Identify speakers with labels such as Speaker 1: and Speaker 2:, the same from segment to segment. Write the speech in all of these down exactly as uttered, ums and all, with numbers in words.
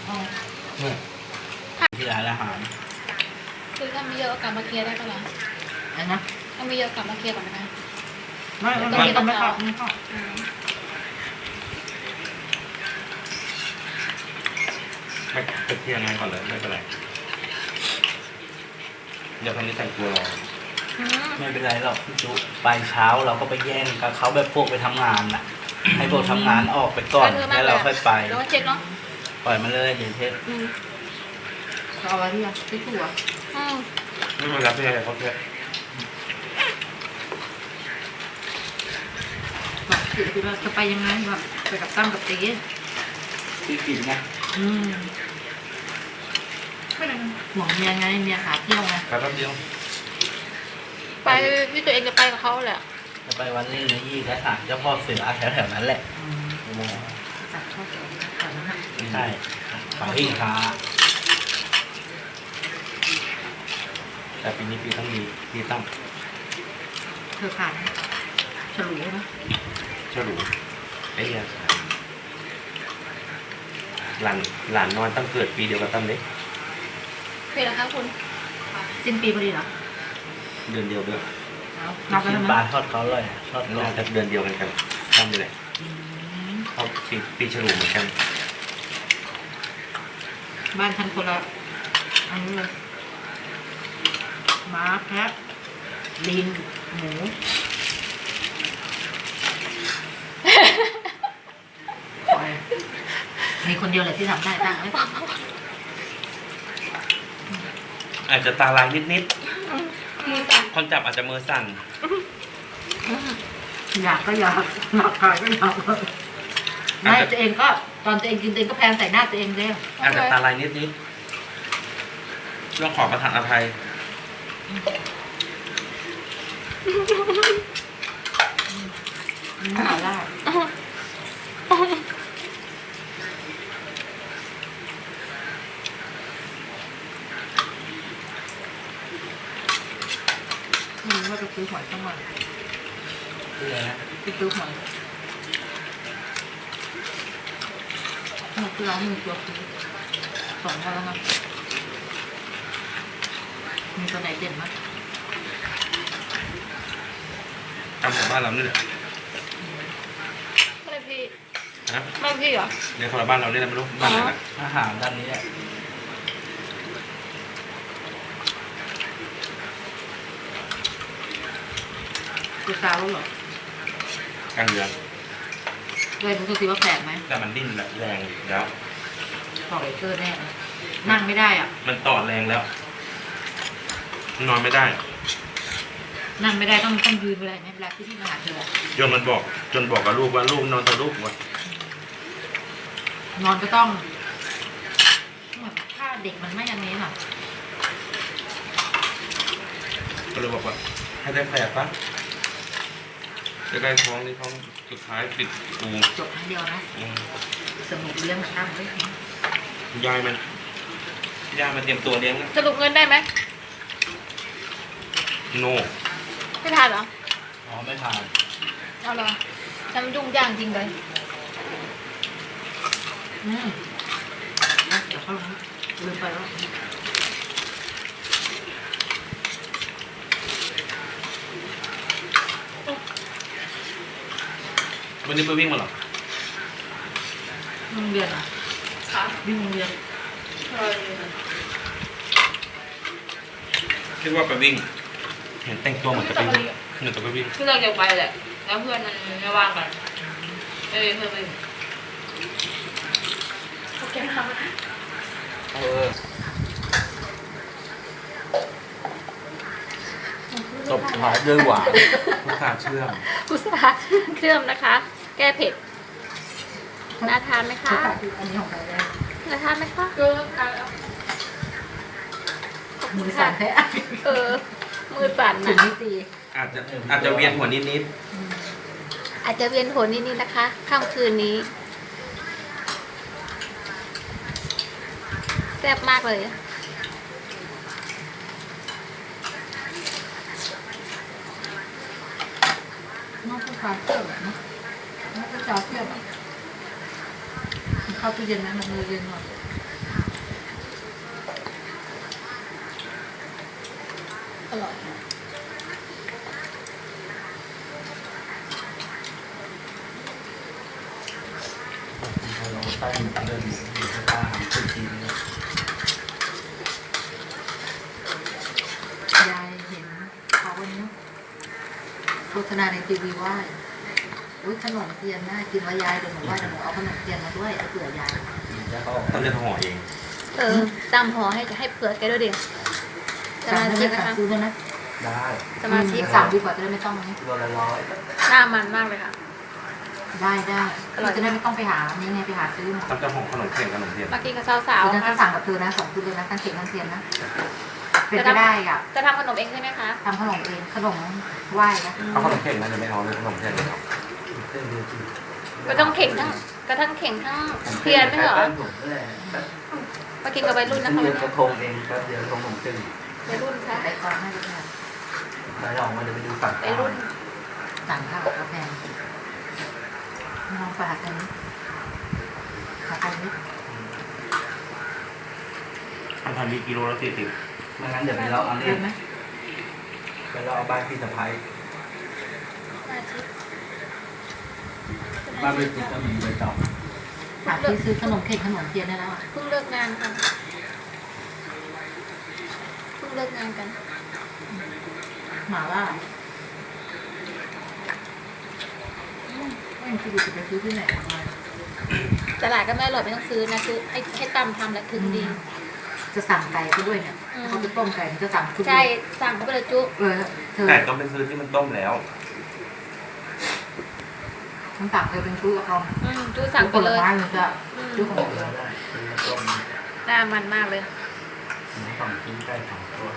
Speaker 1: ที่ร้านอาหาร
Speaker 2: คือถ้ามีเยอะกลับมาเคลียร์ได้ปะล่ะอะไรนะถ้ามีเยอะกลับมาเคลียร์ก่อนนะไม่ไม่ไม่ไม่เข้าไม่เข้า
Speaker 3: ไม่ไปเคลียร์งานก่อนเลยไม่เป็นไรเดี๋ยวคนนี้แต่งตัวรอ
Speaker 1: ไม่เป็นไรหรอกพี่จุไปเช้าเราก็ไปแย่งกับเขาแบบพวกไปทำงานน่ะให้พวกทำงานออกไปก่อนแล้วเราค่อยไป
Speaker 2: แล้วเช็คเนาะ
Speaker 1: ปล่อยมาเลยเดี๋ยวเทส
Speaker 2: เอาไว้ที่อ่ะที่ถั่ว
Speaker 3: ไม่เป็นไรพี่อะไรเขาเทส
Speaker 2: แบบคือเราจะไปยังไงแบบไปกับตั้มกับตี
Speaker 1: ที่กินไง
Speaker 2: อืมไม่ได้ห่วงเมียไงเมียหาเที่ยวไง
Speaker 3: ไปแป๊บเดียว
Speaker 2: ไปที่ตัวเองจะไปกับเขาแหละ
Speaker 1: จะไปวันนี้นะยี่และศาลเจ้าพ่อเสือแถวๆนั้นแหละ
Speaker 2: จัดข้าวเสือแถวนั้น
Speaker 1: ใช่ฝั่งที่ค้าแต่ปีนี้ปีต้องมีปีต้อง
Speaker 2: เธอผ่านฉลุใช่ไหม
Speaker 3: ฉลุไอ้เนี่ยหลานหลานน้อยตั้งเกิดปีเดียวกับตั้มเล็ก
Speaker 2: ปีละครับคุณสิ้นปีพอดีเหรอ
Speaker 3: เดือนเดียวด้วย
Speaker 1: นับกันปลาทอดเขาเลยทอด
Speaker 3: น่าจะเดือนเดียวกันกันตั้มเลยเขาปีปีฉลุเหมือนกัน
Speaker 2: บ้านฉันคนละอันนี้เลยม้าแพะลิงหมูมีคนเดียวเลยที่ทำได้ตั้งไหม
Speaker 3: อาจจะตาลายนิดๆคนจับอาจจะมือสั่น
Speaker 2: อยากก็อยากหนักขายก็อยากไม่ตัวเองก็ตอนตัวเองกินตัวเองก็แพงใส่หน้าตัวเองเลย
Speaker 3: อาจจะตาลายนิดๆต้องขอประทานอภัย
Speaker 2: หาได้ไม่รู้ว่าจะซื้อหอยสักหน่อย
Speaker 1: ซื้ออะไรนะ
Speaker 2: จะซื้อหอยหอยที่ร้านมีตัวซื้อสองวันแล้วนะมีตัวไหนเด่นมั้ย
Speaker 3: ทำของบ้านเรานี่แหละ
Speaker 2: ไม่พี่
Speaker 3: ฮะ
Speaker 2: ไม่พี่เหรอ
Speaker 3: ในคนละบ้านเราเนี่ยไม่รู้บ้านไหนนะ
Speaker 1: อาหารด้านนี้แหละ
Speaker 2: กูซาแล้วเหร
Speaker 3: อกลางเดือน
Speaker 2: เลยรู้สึกว่าแปลกไหม
Speaker 3: แต่มันดิ้นแรงแล้ว
Speaker 2: ต่อไอเกอร์แน่นั่งไม่ได้อ่ะ
Speaker 3: มันต่อแรงแล้วนอนไม่ได้
Speaker 2: นั่งไม่ได้ต้องต้องยืนไปเลยในเวลาที่ที่มาหาเธอ
Speaker 3: จนมันบอกจนบอกกับลูกว่าลูกนอนแต่ลูกว่ะ
Speaker 2: นอนก็ต้องเหมือนถ้าเด็กมันไม่อย่างนี้หรอ
Speaker 3: ก็เลยบอกว่าให้ได้แผลปะจะได้ท้องนี่ท้องสุดท้ายปิดปู
Speaker 2: จบครั้งเดียวนะสนุกเลี้ยงน้ำด้วย
Speaker 3: ยายมันยายมันเตรียมตัวเลี้ยง
Speaker 2: สรุปเงินได้ไหม
Speaker 3: โน่
Speaker 2: ไม่ทานเหรอ
Speaker 1: อ๋อไม่ทาน
Speaker 2: เอาเหรอทำยุ่งยากจริงเลยอืมเดี๋ยวเขาลืมไปแล้ว
Speaker 3: วันนี้ไปวิ่งมาหรอ
Speaker 2: โรงเรียนอ่ะค่ะวิ่งโรงเรียน
Speaker 3: คิดว่าไปวิ่งเห็นแต่งตัวเหมือนจะไปวิ่งเหมือนจะไปวิ่ง
Speaker 2: คือเราอยากไปแหละแล้วเพื่อนมันไม่ว่างกันเอ้ยเพื่อนไม่โอเคค่ะ
Speaker 1: เออตบท้ายด้วยหวาน
Speaker 3: พุทราเชื่อม
Speaker 2: พุทราเชื่อมนะคะ แก้เผ็ดน่าทานไหมคะอันนี้ของใครได้น่าทานไหมคะก็ทานแล้วมือสั่นแท้เออมือสั่นนะ
Speaker 3: อาจจะอาจจะเวียนหัวนิด
Speaker 2: ๆอาจจะเวียนหัวนิดๆนะคะค่ำคืนนี้แซ่บมากเลยน้องผู้ชายเที่ยวนะน้องผู้ชายเที่ยวเข้าตู้เย็นนะมันมือเย็นหน่อยอร่อย
Speaker 1: เราใต้เดินอยู่ที่ตาหางคือจีนเนี่ย
Speaker 4: ยายเห็นเขาวันนี้โฆษณาในทีวีว่าอุ้ยขนมเทียนน่ากินว่ายายเดี๋ยวหนูว่าเดี๋ยวหนูเอาขนมเทียนมาด้วยเอาเผื่อยาย
Speaker 1: แล้วเขา
Speaker 3: ต้องจะห่อเอง
Speaker 2: เออตามห่อให้ให้เผื่อแกด้วยดิส
Speaker 4: สั่ง
Speaker 2: มา
Speaker 4: ได้ไหม
Speaker 2: ชิกนะ
Speaker 4: สั่ง
Speaker 2: คะ
Speaker 4: ซื้อได้ไหม
Speaker 1: ได้
Speaker 2: สมาชิก
Speaker 4: สั่งดีกว่าจะได้ไม่ต้องนี้
Speaker 1: ตัวละร้อย
Speaker 2: หน้ามันมากเลยค่ะ
Speaker 4: ได้ได้
Speaker 2: อร่อย
Speaker 4: เราจะได้ไม่ต้องไปหานี่ไงไปหาซื้อมา
Speaker 3: ต้องจะห่อขนมเส้นขนมเทียน
Speaker 2: มากินกับสาว
Speaker 4: เดี๋ยว
Speaker 2: ๆ
Speaker 4: ฉันจะ
Speaker 2: ค่ะ
Speaker 4: สั่งกับเธอนะสองชุดเลยนะทั้งเค้กทั้งเทียนนะเป็นไปได้อ่ะ
Speaker 2: จะทำขนมเองใช่ไหมคะ
Speaker 4: ทำขนมเองขนมไหว้นะ
Speaker 3: เอาขนมเส้นนะจะไม่เอาเลยขนมเทียนเลยครับ
Speaker 1: เส้นเดียวจีน
Speaker 2: ก็ต้องเข่งทั้งก็ทั้งเข่งทั้งเทียนไม่เหรอ มากินกับวัยรุ่นนะคะ
Speaker 1: เดียวกระทงเองแป๊บเดียวกระทงผมจึง
Speaker 2: วัยรุ่นค่ะ
Speaker 4: ไปก่อนให้ดูค่ะ
Speaker 1: แล้วเรามาเดี๋ยวไปดูฝั่ง
Speaker 2: วัยรุ่น
Speaker 4: สั่งข้าวกาแฟลองฝากกันฝากกันนิด
Speaker 3: อันทำมีกิโลละสี่สิบ
Speaker 1: ไม่งั้นเดี๋ยวไปเราเอา
Speaker 4: เย
Speaker 1: เนี่ย
Speaker 4: อะไหม
Speaker 1: ไปเราเอาบ้านพี่สะพ้าย
Speaker 2: สมาชิก
Speaker 1: บ้านพี่ติ๊กก็มีใบตอง
Speaker 4: หาที่ซื้อขนมเค้กขนมเทียนได้แล้วอ่ะ
Speaker 2: เพิ่งเลิกงานค่ะเพิ่งเลิกงานกัน
Speaker 4: หมาล่าไม่คิดว่าจะไปซื้อที่ไหนมา
Speaker 2: ตลาดก็ไม่อร่อยไม่ต้องซื้อนะซื้อให้ให้ตำทำแหละถึงดี
Speaker 4: จะสั่งไก่ก็ด้วยเนี่ย
Speaker 2: อืม
Speaker 4: เขาจะต้มไก่มันจะสั่งชุด
Speaker 2: ใช่ สั่งเขาไปเลยจุ
Speaker 4: เออเธอ
Speaker 3: ไก่ต้องเป็นซื้อที่มันต้มแล้ว
Speaker 4: ฉันสั่งเธอเป็นชุดละคร
Speaker 2: อืมจุสั่งไป
Speaker 4: ผล
Speaker 2: เลย
Speaker 4: ไม้มันจะ
Speaker 2: อืม
Speaker 4: ชุดของ
Speaker 1: เอ
Speaker 4: เธ
Speaker 1: อ
Speaker 4: อ
Speaker 1: ได้เป็นต้ม
Speaker 2: หน้ามันมากเลย
Speaker 1: หมูสองชิ้นไก่สองตัว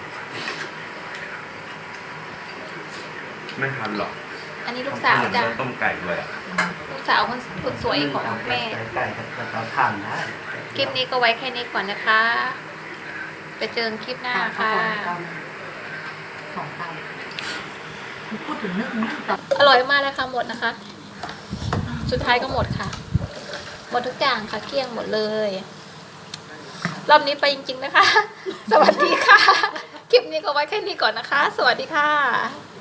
Speaker 3: ไม่ทันหรอก
Speaker 2: อันนี้ลูกสาวจ้ะ
Speaker 3: ต้มไก่ด้วยอะ
Speaker 2: ลูกสาวคนคนสวยของแม่
Speaker 1: ไก่กับเราทานได้
Speaker 2: คลิปนี้ก็ไว้แค่นี้ก่อนนะคะ ไปเจอกันคลิปหน้า
Speaker 4: สั่งข้า
Speaker 2: ค่ะ
Speaker 4: วกล่องสองเตาพูดถึงนึกนึกต่อ
Speaker 2: อร่อยมากเลยค่ะหมดนะคะ สุดท้ายก็หมดค่ะ หมดทุกอย่างค่ะเกลี้ยงหมดเลย รอบนี้ไปจริงๆนะคะ สวัสดีค่ะ คลิปนี้ก็ไว้แค่นี้ก่อนนะคะ สวัสดีค่ะ